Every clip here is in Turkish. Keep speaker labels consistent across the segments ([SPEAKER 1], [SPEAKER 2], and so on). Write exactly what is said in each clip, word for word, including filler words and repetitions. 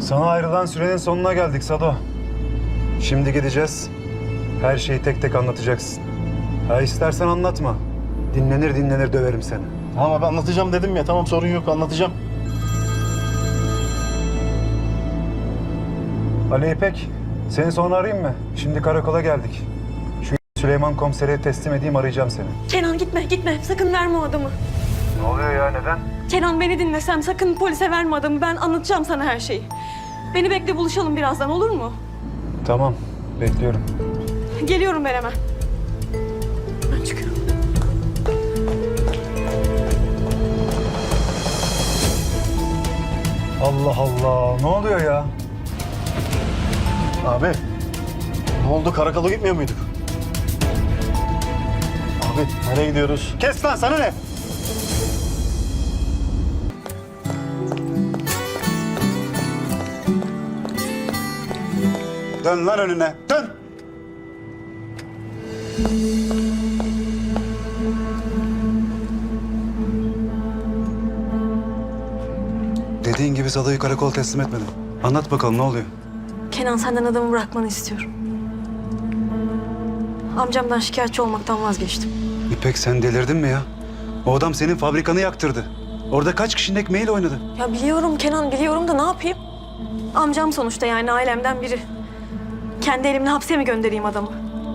[SPEAKER 1] Sana ayrılan sürenin sonuna geldik Sado. Şimdi gideceğiz. Her şeyi tek tek anlatacaksın. Ha istersen anlatma. Dinlenir dinlenir döverim seni.
[SPEAKER 2] Tamam abi anlatacağım dedim ya. Tamam sorun yok anlatacağım.
[SPEAKER 1] Ali İpek, seni sonra arayayım mı? Şimdi karakola geldik. Şu Süleyman komisere teslim edeyim, arayacağım seni.
[SPEAKER 3] Kenan gitme gitme sakın verme o adamı.
[SPEAKER 1] Ne oluyor ya, neden?
[SPEAKER 3] Kenan beni dinlesem sakın polise verme adamı, ben anlatacağım sana her şeyi. Beni bekle, buluşalım birazdan, olur mu?
[SPEAKER 1] Tamam, bekliyorum.
[SPEAKER 3] Geliyorum ben hemen. Ben çıkıyorum.
[SPEAKER 1] Allah Allah, ne oluyor ya?
[SPEAKER 2] Abi ne oldu, karakola gitmiyor muyduk? Abi nereye gidiyoruz? Kes lan, sana ne?
[SPEAKER 1] Dön lan önüne, dön! Dediğin gibi Sado'yu karakola teslim etmedim. Anlat bakalım, ne oluyor?
[SPEAKER 3] Kenan, senden adamı bırakmanı istiyorum. Amcamdan şikayetçi olmaktan vazgeçtim.
[SPEAKER 1] İpek, sen delirdin mi ya? O adam senin fabrikanı yaktırdı. Orada kaç kişinin ekmeğiyle oynadı.
[SPEAKER 3] Ya biliyorum Kenan, biliyorum da ne yapayım? Amcam sonuçta, yani ailemden biri. Kendi elimle hapse mi göndereyim adamı?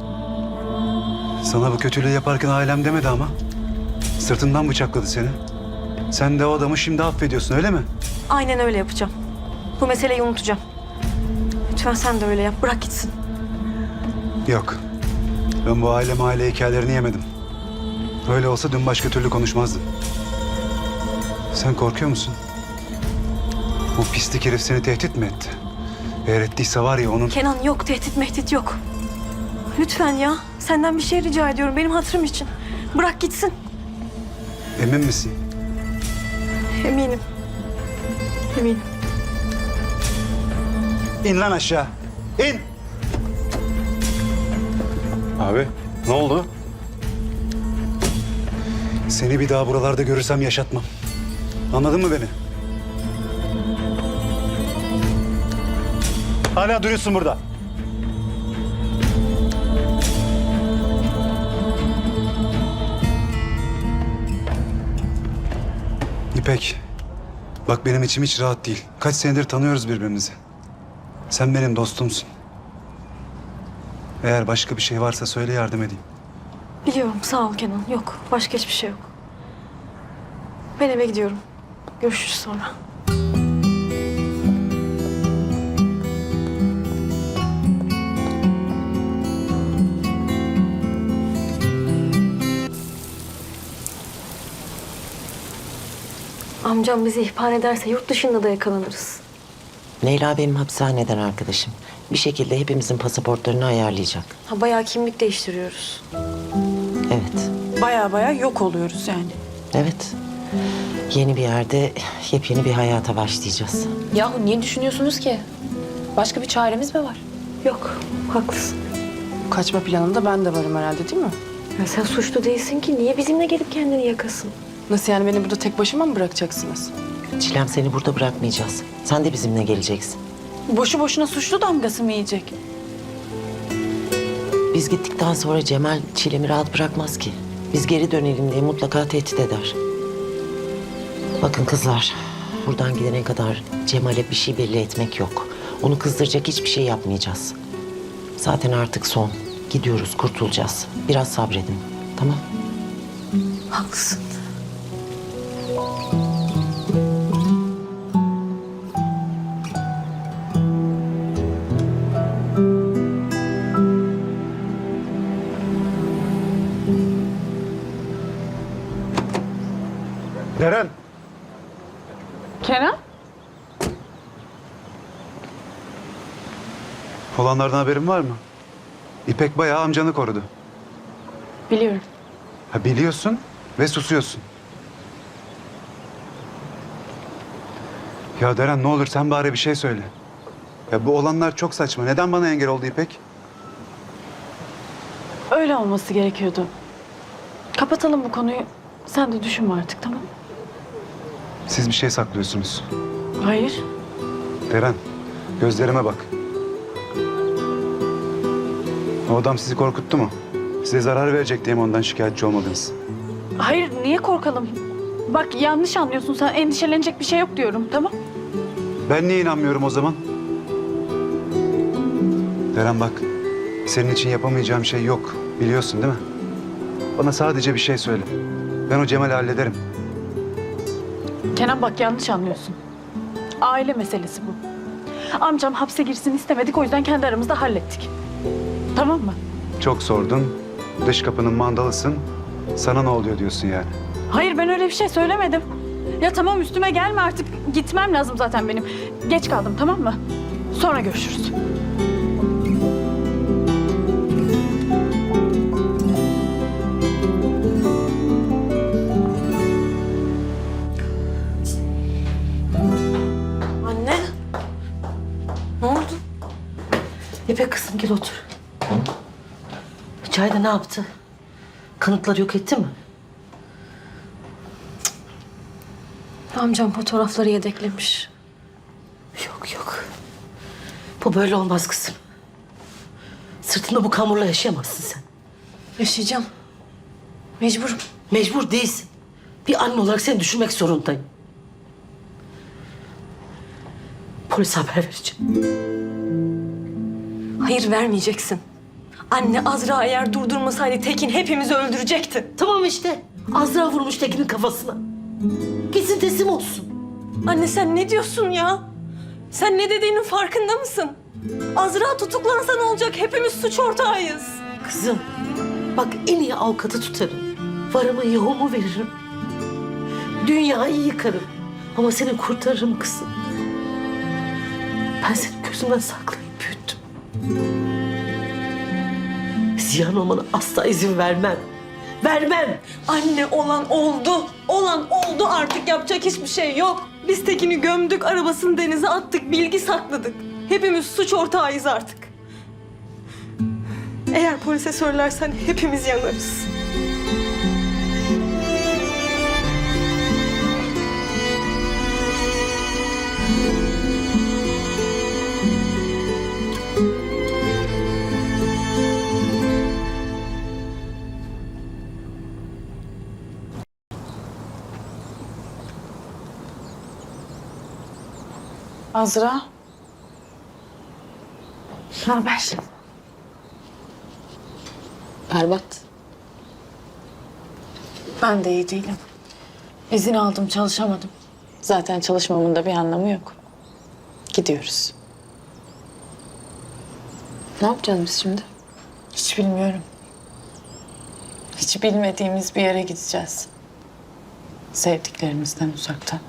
[SPEAKER 1] Sana bu kötülüğü yaparken ailem demedi ama. Sırtından bıçakladı seni. Sen de o adamı şimdi affediyorsun, öyle mi?
[SPEAKER 3] Aynen öyle yapacağım. Bu meseleyi unutacağım. Lütfen sen de öyle yap, bırak gitsin.
[SPEAKER 1] Yok. Ben bu aile mahalle hikayelerini yemedim. Öyle olsa dün başka türlü konuşmazdım. Sen korkuyor musun? Bu pislik herif seni tehdit mi etti? Eğer ettiyse var ya onun...
[SPEAKER 3] Kenan yok, tehdit mehdit yok. Lütfen ya, senden bir şey rica ediyorum benim hatırım için. Bırak gitsin.
[SPEAKER 1] Emin misin?
[SPEAKER 3] Eminim. Eminim.
[SPEAKER 1] İn lan aşağı. İn!
[SPEAKER 2] Abi ne oldu?
[SPEAKER 1] Seni bir daha buralarda görürsem yaşatmam. Anladın mı beni?
[SPEAKER 2] Hala duruyorsun burada.
[SPEAKER 1] İpek, bak benim içim hiç rahat değil. Kaç senedir tanıyoruz birbirimizi. Sen benim dostumsun. Eğer başka bir şey varsa söyle, yardım edeyim.
[SPEAKER 3] Biliyorum, sağ ol Kenan. Yok, başka hiçbir şey yok. Ben eve gidiyorum. Görüşürüz sonra. Amcam bizi ihbar ederse yurt dışında da yakalanırız.
[SPEAKER 4] Leyla benim hapishaneden arkadaşım. Bir şekilde hepimizin pasaportlarını ayarlayacak.
[SPEAKER 3] Ha, bayağı kimlik değiştiriyoruz.
[SPEAKER 4] Evet,
[SPEAKER 5] Baya baya yok oluyoruz yani.
[SPEAKER 4] evet. Yeni bir yerde yepyeni bir hayata başlayacağız.
[SPEAKER 6] Yahu niye düşünüyorsunuz ki? Başka bir çaremiz mi var?
[SPEAKER 3] Yok, haklısın.
[SPEAKER 5] Kaçma planında ben de varım herhalde, değil mi?
[SPEAKER 3] Ya sen suçlu değilsin ki. Niye bizimle gelip kendini yakasın?
[SPEAKER 5] Nasıl yani, beni burada tek başıma mı bırakacaksınız?
[SPEAKER 4] Çilem, seni burada bırakmayacağız. Sen de bizimle geleceksin.
[SPEAKER 5] Boşu boşuna suçlu damgası mı yiyecek?
[SPEAKER 4] Biz gittikten sonra Cemal Çilem'i rahat bırakmaz ki. Biz geri dönelim diye mutlaka tehdit eder. Bakın kızlar, buradan gidene kadar Cemal'e bir şey belli etmek yok. Onu kızdıracak hiçbir şey yapmayacağız. Zaten artık son. Gidiyoruz, kurtulacağız. Biraz sabredin, tamam?
[SPEAKER 3] Haklısın.
[SPEAKER 1] Deren!
[SPEAKER 5] Kerem?
[SPEAKER 1] Olanlardan haberin var mı? İpek bayağı amcanı korudu.
[SPEAKER 5] Biliyorum.
[SPEAKER 1] Ha, biliyorsun ve susuyorsun. Ya Deren, ne olur sen bari bir şey söyle. Ya bu olanlar çok saçma. Neden bana engel oldu İpek?
[SPEAKER 5] Öyle olması gerekiyordu. Kapatalım bu konuyu. Sen de düşünme artık, tamam mı?
[SPEAKER 1] Siz bir şey saklıyorsunuz.
[SPEAKER 5] Hayır.
[SPEAKER 1] Deren, Gözlerime bak. O adam sizi korkuttu mu? Size zarar verecek diye mi ondan şikayetçi olmadınız?
[SPEAKER 5] Hayır, niye korkalım? Bak yanlış anlıyorsun sen. Endişelenecek bir şey yok diyorum, tamam?
[SPEAKER 1] Ben niye inanmıyorum o zaman? Deren bak, senin için yapamayacağım şey yok. Biliyorsun değil mi? Bana sadece bir şey söyle. Ben o Cemal'i hallederim.
[SPEAKER 5] Kenan bak yanlış anlıyorsun. Aile meselesi bu. Amcam hapse girsin istemedik, o yüzden kendi aramızda hallettik. Tamam mı?
[SPEAKER 1] Çok sordun, dış kapının mandalısın. Sana ne oluyor diyorsun yani?
[SPEAKER 5] Hayır, ben öyle bir şey söylemedim. Ya tamam, üstüme gelme artık. Gitmem lazım zaten benim. Geç kaldım, tamam mı? Sonra görüşürüz.
[SPEAKER 3] Anne. Ne oldu?
[SPEAKER 4] İpek kızım gel otur. İçeride ne yaptı? Kanıtları yok etti mi?
[SPEAKER 3] Amcam fotoğrafları yedeklemiş.
[SPEAKER 4] Yok yok. Bu böyle olmaz kızım. Sırtında bu kamurla yaşayamazsın sen.
[SPEAKER 3] Yaşayacağım. Mecburum.
[SPEAKER 4] Mecbur değilsin. Bir anne olarak seni düşünmek zorundayım. Polise haber vereceğim.
[SPEAKER 3] Hayır, vermeyeceksin. Anne, Azra eğer durdurmasaydı Tekin hepimizi öldürecekti.
[SPEAKER 4] Tamam işte. Azra vurmuş Tekin'in kafasına. Gitsin teslim olsun.
[SPEAKER 3] Anne sen ne diyorsun ya? Sen ne dediğinin farkında mısın? Azra tutuklansa ne olacak? Hepimiz suç ortağıyız.
[SPEAKER 4] Kızım bak en iyi avukatı tutarım. Varımı yoğumu veririm. Dünyayı yıkarım. Ama seni kurtarırım kızım. Ben seni gözümden saklayıp büyüttüm. Ziyan olmana asla izin vermem. Vermem.
[SPEAKER 3] Anne, olan oldu. Olan oldu, artık yapacak hiçbir şey yok. Biz Tekin'i gömdük, arabasını denize attık, bilgi sakladık. Hepimiz suç ortağıyız artık. Eğer polise söylersen hepimiz yanarız.
[SPEAKER 5] Azra. Ne haber?
[SPEAKER 6] Berbat.
[SPEAKER 5] Ben de iyi değilim. İzin aldım, çalışamadım.
[SPEAKER 6] Zaten çalışmamın da bir anlamı yok. Gidiyoruz. Ne yapacağız biz şimdi?
[SPEAKER 5] Hiç bilmiyorum. Hiç bilmediğimiz bir yere gideceğiz. Sevdiklerimizden uzakta.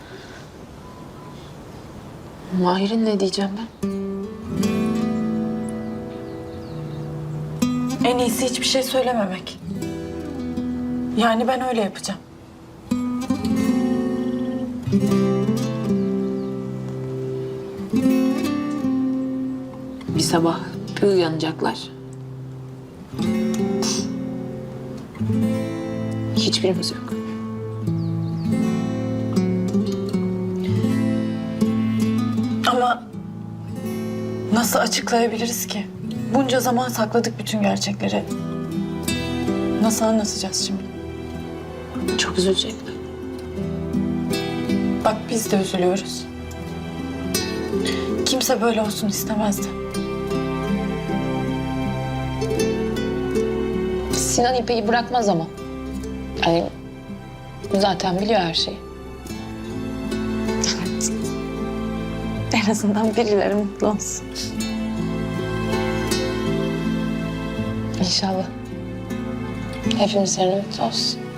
[SPEAKER 6] Mahir'in ne diyeceğim ben?
[SPEAKER 5] En iyisi hiçbir şey söylememek. Yani ben öyle yapacağım.
[SPEAKER 6] Bir sabah bir uyanacaklar. Hiçbirimiz yok.
[SPEAKER 5] Ama nasıl açıklayabiliriz ki? Bunca zaman sakladık bütün gerçekleri. Nasıl anlatacağız şimdi?
[SPEAKER 6] Çok üzülecekler.
[SPEAKER 5] Bak biz de üzülüyoruz. Kimse böyle olsun istemezdi.
[SPEAKER 6] Sinan İpek'i bırakmaz ama. Yani zaten biliyor her şeyi.
[SPEAKER 5] En azından birileri mutlu olsun.
[SPEAKER 6] İnşallah. Hepimiz yerine mutlu olsun.